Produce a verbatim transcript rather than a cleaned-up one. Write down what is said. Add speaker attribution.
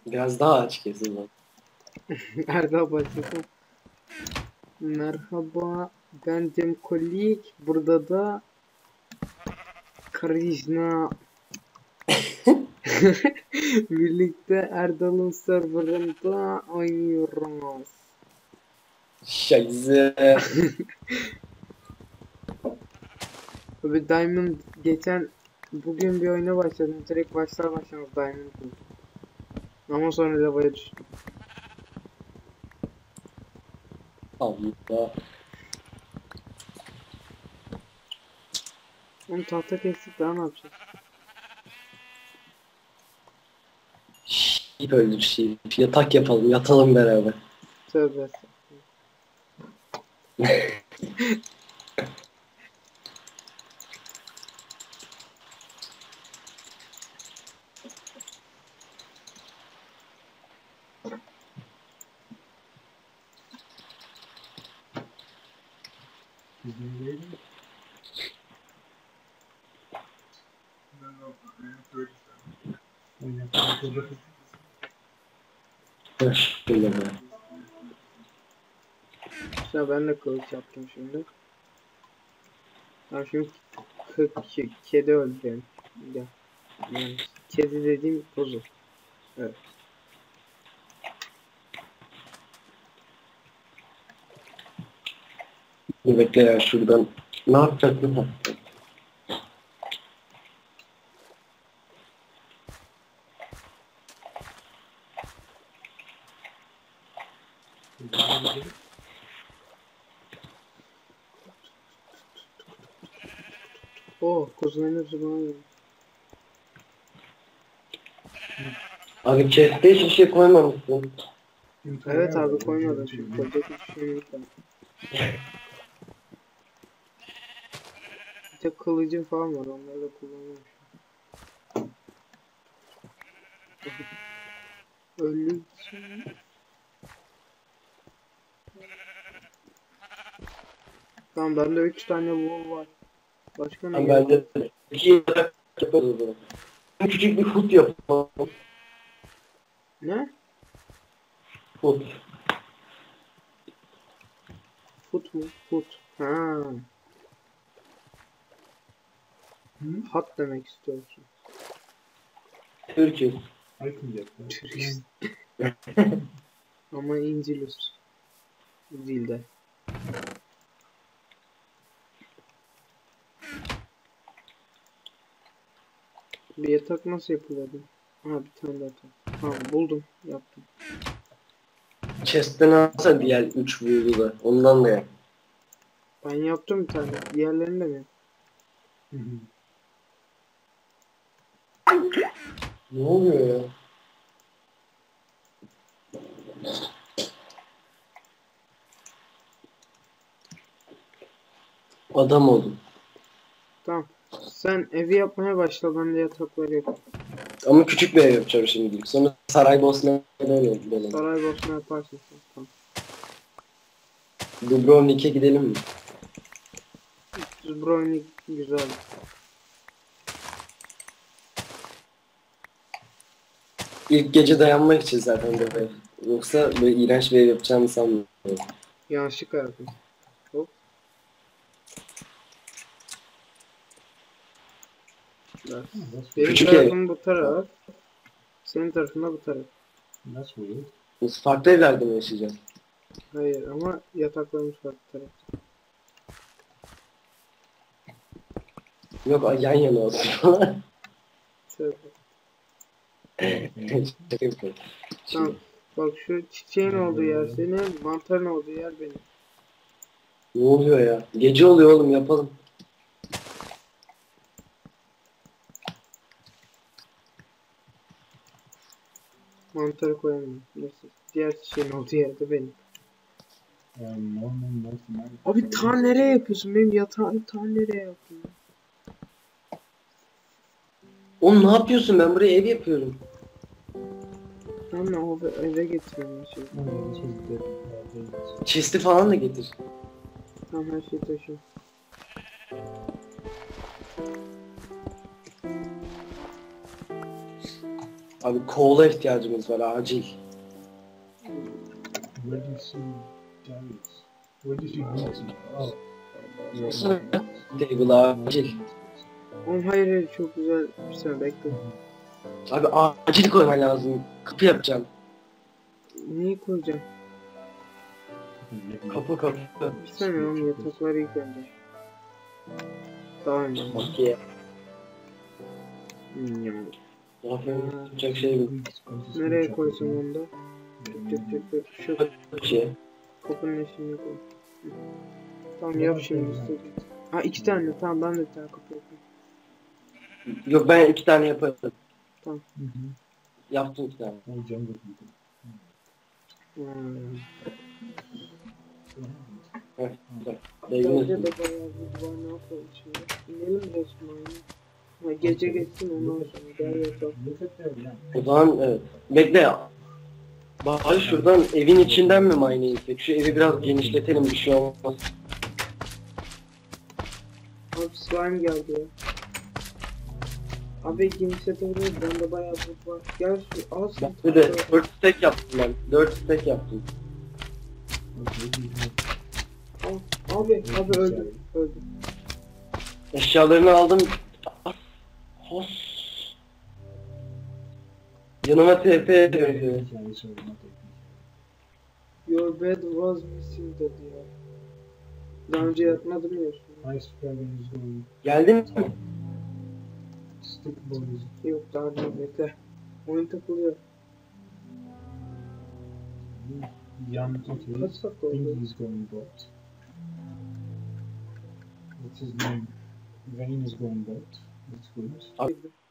Speaker 1: Biraz daha aç kesin lan.
Speaker 2: Erdal başlasın. Merhaba, ben Cem Kolik. Burada da Krishna. Birlikte Erdal'ın serverında oynuyoruz.
Speaker 1: Şayze.
Speaker 2: Abi Diamond geçen bugün bir oyuna başladım. Direkt başlar başlamaz Diamond buldum. Ama sonra lavaya düştüm.
Speaker 1: Allah.
Speaker 2: Onu tahta kestik, daha ne yapacağız?
Speaker 1: Şiip öldür şiip. Yatak yapalım, yatalım beraber.
Speaker 2: Tövbe
Speaker 1: Şöyle be.
Speaker 2: Ya ben de kılıç yaptım şimdi. Ya şimdi k- kedi öldürüyorum. Ya. Yani kedi dediğim kuzu. Evet.
Speaker 1: Dur bekle ya şuradan. Ne yapacaktın ha?
Speaker 2: Oh, kuzuların hepsi bana geldi.
Speaker 1: Abi chest'e hiçbir şey koymamışsın.
Speaker 2: Evet abi, koymadım çünkü koyacak hiçbir şey yok yani. Bir tek kılıcım falan var, onları da kullanıyorum. Ölü. Tamam, bende üç tane wool var. Başka ne
Speaker 1: Ben
Speaker 2: gerek?
Speaker 1: bence iki yatak yaparız o zaman. Küçük bir hut yapalım.
Speaker 2: Ne?
Speaker 1: Hut.
Speaker 2: Foot mu? Foot. Ha. Hat demek istiyorsun.
Speaker 1: Türk'üz.
Speaker 2: Turist. Ama İncilus dilde. Bir yatak nasıl yapılıyordu? Ha, bir tane yatak. Tamam, buldum, yaptım.
Speaker 1: Chest'ten alsa diğer üç vurdu da. Ondan da yap.
Speaker 2: Ben yaptım bir tane. Diğerlerini de mi?
Speaker 1: Ne oluyor ya? Adam oldum.
Speaker 2: Tamam. Sen evi yapmaya başla, ben de yatakları yapayım.
Speaker 1: Ama küçük bir ev yapacağım şimdilik. Sonra Saraybosna'ya dönelim.
Speaker 2: Saraybosna yaparsın sen. Tamam.
Speaker 1: Dubrovnik'e gidelim mi?
Speaker 2: Dubrovnik güzel.
Speaker 1: İlk gece dayanmak için zaten bu ev. Yoksa böyle iğrenç bir ev yapacağımı sanmıyorum.
Speaker 2: Yanlışlıkla yaptım. Hop. Biraz. Benim
Speaker 1: Küçük
Speaker 2: tarafım bu taraf. Senin tarafında bu taraf.
Speaker 3: Nasıl oluyor?
Speaker 1: Biz farklı evlerde mi yaşayacağız?
Speaker 2: Hayır, ama yataklarımız farklı taraf.
Speaker 1: Yok yan yana olsun falan.
Speaker 2: Şöyle.
Speaker 1: Şaka yapıyorum.
Speaker 2: Tamam. Bak, şu çiçeğin olduğu yer senin, mantarın olduğu yer benim.
Speaker 1: Ne oluyor ya? Gece oluyor oğlum, yapalım.
Speaker 2: Mantarı koyamıyorum. Neyse. Diğer çiçeğin olduğu yerde benim. Abi ta nereye yapıyorsun? Benim yatağımı ta nereye yaptın?
Speaker 1: Oğlum ne yapıyorsun? Ben buraya ev yapıyorum.
Speaker 2: Ben o eve getiriyorum şey.
Speaker 1: Chest'i falan da getir.
Speaker 2: Tamam, her şeyi taşıyorum.
Speaker 1: Abi kola ihtiyacımız var acil.
Speaker 3: Where do you see Darius? Where did you meet him? Oh.
Speaker 1: Nasıl? Table acil.
Speaker 2: Oğlum hayır hayır çok güzel bir saniye bekle.
Speaker 1: Abi acil koyman lazım. Kapı yapacağım.
Speaker 2: Neyi koyacağım?
Speaker 1: Kapı kapı.
Speaker 2: Bir saniye oğlum yatakları ilk önce. Tamam.
Speaker 1: Okey.
Speaker 2: Hmm,
Speaker 1: Aferin. Yapacak şey yok.
Speaker 2: nereye koysam onu da? Tık tık tık tık. Şu
Speaker 1: Bir şey.
Speaker 2: kapının eşiğine koy. Hı. Tamam yap şimdi istediğin. Ha iki tane tamam ben de bir tane kapı yapayım.
Speaker 1: Yok ben iki tane yaparım.
Speaker 3: Mhm.
Speaker 1: Yaptım iki tane.
Speaker 3: All jungle people.
Speaker 2: Hmm.
Speaker 1: Evet.
Speaker 2: Bence
Speaker 1: Beyginiz.
Speaker 2: de bayağı bir var ne yapalım şimdi. İnelim resmen. Ha gece geçsin ondan sonra gel yatalım.
Speaker 3: Look at their land.
Speaker 1: O zaman evet. Bekle ya. Bari şuradan evin içinden mi mine insek? Şu evi biraz genişletelim bir şey olmaz.
Speaker 2: Abi slime geldi ya. Abi genişlet orayı bende bayağı bot var. Gel şu al sen.
Speaker 1: Bir de dört stack yaptım ben. dört stack yaptım.
Speaker 3: Okay, we have
Speaker 2: Al. Abi abi öldüm. Öldüm.
Speaker 1: Eşyalarını aldım. Hos. Yanıma T P döndü.
Speaker 3: yeah, sorry, not
Speaker 2: Your bed was missing dedi ya. Daha önce yatmadım ya üstüne.
Speaker 3: Ice Dragon is going.
Speaker 1: Geldin mi?
Speaker 3: Stick boys.
Speaker 2: Yok daha değil bekle. Oyun takılıyor.
Speaker 3: Young okay.
Speaker 2: Kaç dakika
Speaker 3: I think
Speaker 2: oldu?
Speaker 3: he's going bot. What's his name? Vayne is going bot. That's good.
Speaker 1: Abi,